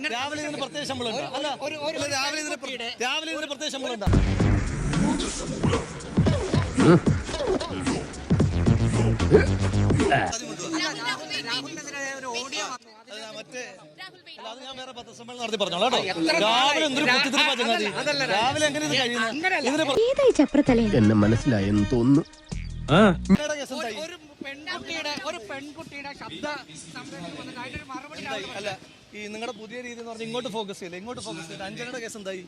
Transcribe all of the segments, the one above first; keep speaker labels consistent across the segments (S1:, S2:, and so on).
S1: രാവിലെ ഇതിന് പ്രത്യേക ശമ്പളം ഉണ്ടോ? അല്ല, രാവിലെ ഇതിന് പ്രത്യേക ശമ്പളം ഉണ്ടോ? മറ്റേ അത് ഞാൻ വേറെ പത്രസമ്മേളനം നടത്തി പറഞ്ഞോളാം കേട്ടോ. രാവിലെ എന്തൊരു കുത്തിത്തിരിപ്പാ ചങ്ങാതി. രാവിലെ എങ്ങനെ ഇത് കഴിയുന്നത്?
S2: എന്നെ മനസ്സിലായെന്ന് തോന്നുന്നു.
S3: ഒരു പെൺകുട്ടിയുടെ ശബ്ദ
S1: അല്ല, ഈ നിങ്ങളുടെ പുതിയ രീതി എന്ന് പറഞ്ഞാൽ ഇങ്ങോട്ട് ഫോക്കസ് ചെയ്യില്ല, ഇങ്ങോട്ട് ഫോക്കസ് ചെയ്യില്ല. അഞ്ജനയുടെ കേസ് എന്തായി?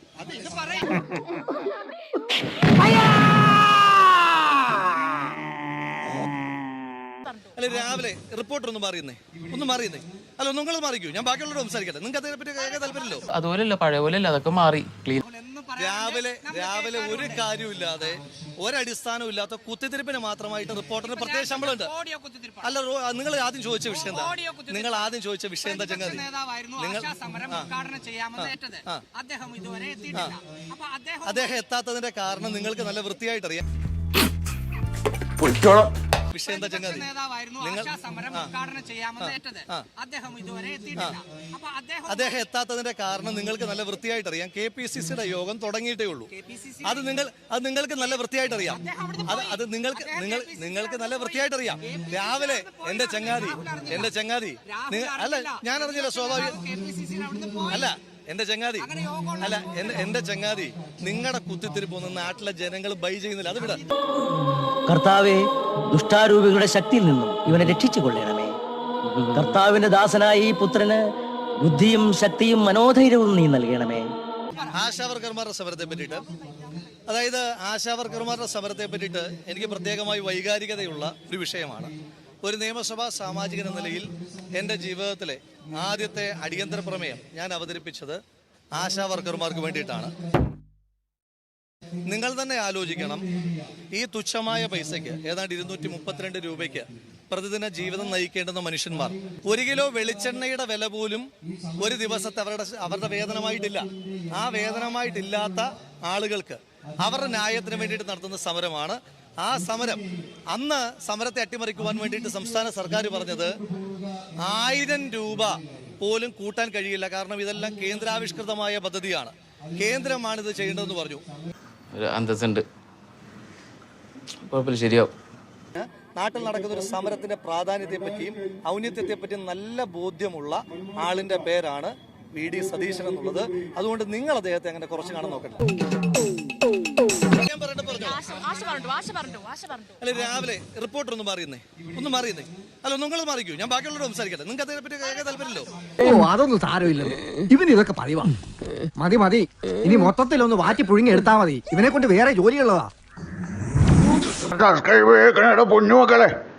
S1: അല്ല, രാവിലെ റിപ്പോർട്ടർ ഒന്ന് മാറിയുന്നേ. അല്ല, നിങ്ങൾ മാറിക്കൂ, ഞാൻ ബാക്കിയുള്ളവരോട് സംസാരിക്കട്ടെ. നിങ്ങൾക്ക് അതിനെ പറ്റി കേൾക്കാൻ താല്പര്യമല്ലോ.
S4: അതുപോലെയല്ല, പഴയ പോലെയല്ല, അതൊക്കെ മാറി. ക്ലീൻ.
S1: രാവിലെ ഒരു കാര്യമില്ലാതെ ഒരടിസ്ഥാനവും ഇല്ലാത്ത കുത്തിത്തിരിപ്പിന് മാത്രമായിട്ട് റിപ്പോർട്ടറിന് പ്രത്യേക ശമ്പളം ഉണ്ട്. അല്ല, നിങ്ങൾ ആദ്യം ചോദിച്ച വിഷയം എന്താ? ചങ്ങാതി? അദ്ദേഹം എത്താത്തതിന്റെ കാരണം നിങ്ങൾക്ക് നല്ല വൃത്തിയായിട്ട് അറിയാം. വിഷയം എന്താ ചങ്ങാതി? അദ്ദേഹം എത്താത്തതിന്റെ കാരണം നിങ്ങൾക്ക് നല്ല വൃത്തിയായിട്ട് അറിയാം. KPCCയുടെ യോഗം തുടങ്ങിയിട്ടേ ഉള്ളൂ. അത് നിങ്ങൾക്ക് നല്ല വൃത്തിയായിട്ട് അറിയാം. അത് നിങ്ങൾക്ക് നല്ല വൃത്തിയായിട്ട് അറിയാം. രാവിലെ എന്റെ ചങ്ങാതി അല്ല, ഞാൻ അറിഞ്ഞില്ല, സ്വാഭാവികം അല്ല. എന്റെ ചങ്ങാതി നിങ്ങളുടെ കുത്തിത്തിരിപ്പൊന്നും നാട്ടിലെ ജനങ്ങൾ ബൈ ചെയ്യുന്നില്ല. അത് വിട.
S5: കർത്താവേ, ദുഷ്ടാരൂപികളുടെ ശക്തിയിൽ നിന്നും ഇവനെ രക്ഷിച്ചു കൊള്ളണമേ. കർത്താവിന്റെ ദാസനായ ഈ പുത്രന് ബുദ്ധിയും ശക്തിയും മനോധൈര്യവും നീ നൽകണമേ.
S1: ആശാവർക്കർമാരുടെ സമരത്തെ പറ്റിയിട്ട്, അതായത് ആശാവർക്കർമാരുടെ സമരത്തെ പറ്റിയിട്ട് എനിക്ക് പ്രത്യേകമായി വൈകാരികതയുള്ള ഒരു വിഷയമാണ്. ഒരു നിയമസഭാ സാമാജികൻ എന്ന നിലയിൽ എൻ്റെ ജീവിതത്തിലെ ആദ്യത്തെ അടിയന്തര പ്രമേയം ഞാൻ അവതരിപ്പിച്ചത് ആശാവർക്കർമാർക്ക് വേണ്ടിയിട്ടാണ്. നിങ്ങൾ തന്നെ ആലോചിക്കണം, ഈ തുച്ഛമായ പൈസയ്ക്ക് ഏതാണ്ട് 232 രൂപയ്ക്ക് പ്രതിദിന ജീവിതം നയിക്കേണ്ടുന്ന മനുഷ്യന്മാർ 1 കിലോ വെളിച്ചെണ്ണയുടെ വില പോലും ഒരു ദിവസത്തെ അവരുടെ വേതനമായിട്ടില്ല. ആ വേതനമായിട്ടില്ലാത്ത ആളുകൾക്ക് അവരുടെ ന്യായത്തിന് വേണ്ടിയിട്ട് നടത്തുന്ന സമരമാണ്. ആ സമരം, അന്ന് സമരത്തെ അട്ടിമറിക്കുവാൻ വേണ്ടിയിട്ട് സംസ്ഥാന സർക്കാർ പറഞ്ഞത് 1000 രൂപ പോലും കൂട്ടാൻ കഴിയില്ല, കാരണം ഇതെല്ലാം കേന്ദ്രാവിഷ്കൃതമായ പദ്ധതിയാണ്, കേന്ദ്രമാണിത് ചെയ്യേണ്ടതെന്ന് പറഞ്ഞു.
S4: അന്തസ്സുണ്ട്, കുഴപ്പമില്ല, ശരിയാവും.
S1: നാട്ടിൽ നടക്കുന്ന ഒരു സമരത്തിന്റെ പ്രാധാന്യത്തെ പറ്റിയും ഔന്നത്യത്തെ പറ്റിയും നല്ല ബോധ്യമുള്ള ആളിന്റെ പേരാണ് VD സതീശൻ എന്നുള്ളത്. അതുകൊണ്ട് നിങ്ങൾ അദ്ദേഹത്തെ അങ്ങനെ കുറച്ച് കാണാൻ നോക്കണ്ട. അല്ല, രാവിലെ റിപ്പോർട്ടർ ഒന്ന് മാറിയുന്നേ. അല്ല, നിങ്ങൾ മാറിക്കൂ, ഞാൻ ബാക്കിയുള്ളവരോട് സംസാരിക്കട്ടെ. നിങ്ങൾക്ക് അതിനെ പറ്റി കേൾക്കാൻ താല്പര്യമല്ലോ.
S6: അതൊന്നും സാരമില്ല, ഇവന് ഇതൊക്കെ പറയുവാ. മതി, ഇനി മൊത്തത്തിലൊന്ന് വാറ്റി പുഴുങ്ങി എടുത്താ മതി. ഇവനെ കൊണ്ട് വേറെ ജോലിയുള്ളതാ.
S7: പൊന്നുമക്കളെ